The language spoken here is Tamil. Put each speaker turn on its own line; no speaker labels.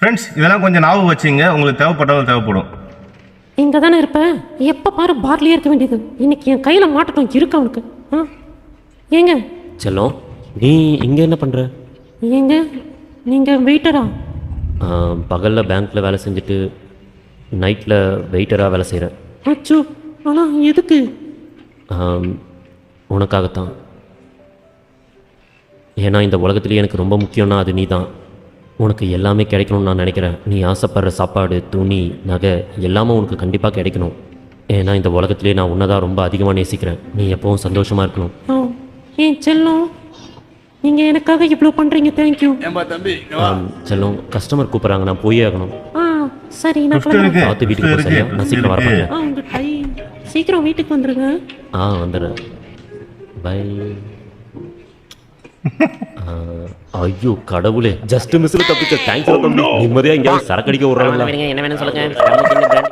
ஃப்ரெண்ட்ஸ் இதெல்லாம் கொஞ்சம் ஞாபகம் வச்சுங்க, உங்களுக்கு தேவைப்பட்டாலும் தேவைப்படும்.
இங்கே தானே இருப்பேன், எப்போ பாரு பார்லேயே இருக்க வேண்டியது. இன்னைக்கு என் கையில் மாட்டட்டும் இருக்கு அவனுக்கு. ஏங்க
செல்லம், நீ இங்கே என்ன பண்ணுற?
ஏங்க நீங்கள் வெயிட்டரா?
பகலில் பேங்க்கில் வேலை செஞ்சுட்டு நைட்டில் வெயிட்டராக வேலை செய்கிறேன்.
அச்சோ, ஆனால் எதுக்கு?
உனக்காகத்தான். ஏன்னா இந்த உலகத்துலேயே எனக்கு ரொம்ப முக்கியம்னா அது நீ தான். உனக்கு எல்லாமே கிடைக்கணும்னு நான் நினைக்கிறேன். நீ ஆசைப்படுற சாப்பாடு, துணி, நகை எல்லாமே உனக்கு கண்டிப்பாக கிடைக்கணும். ஏன்னா இந்த உலகத்துலேயே நான் உன்னை தான் ரொம்ப அதிகமாக நேசிக்கிறேன். நீ எப்பவும் சந்தோஷமாக இருக்கணும்.
ஏன் செல்லம், நீங்கள் எனக்காக இவ்வளோ பண்ணுறீங்க, தேங்க்யூ.
செல்லம், கஸ்டமர் கூப்பிட்றாங்க, நான் போயே ஆகணும்.
சரி, நான்
பார்த்து வீட்டுக்கு போக. சரியா? நான் சீக்கிரம் வரப்பேன்.
உங்கள் கை சீக்கிரம் வீட்டுக்கு வந்துடுங்க.
வந்துடுறேன். பை. ஐயோ கடவுளே, ஜஸ்ட் மிஸ்ல தப்பிச்ச. தேங்க்ஸ். நிம்மதியாக எங்கேயாவது சரக்கடிக்க விடுறாங்க.
என்ன வேணும் சொல்லுங்க.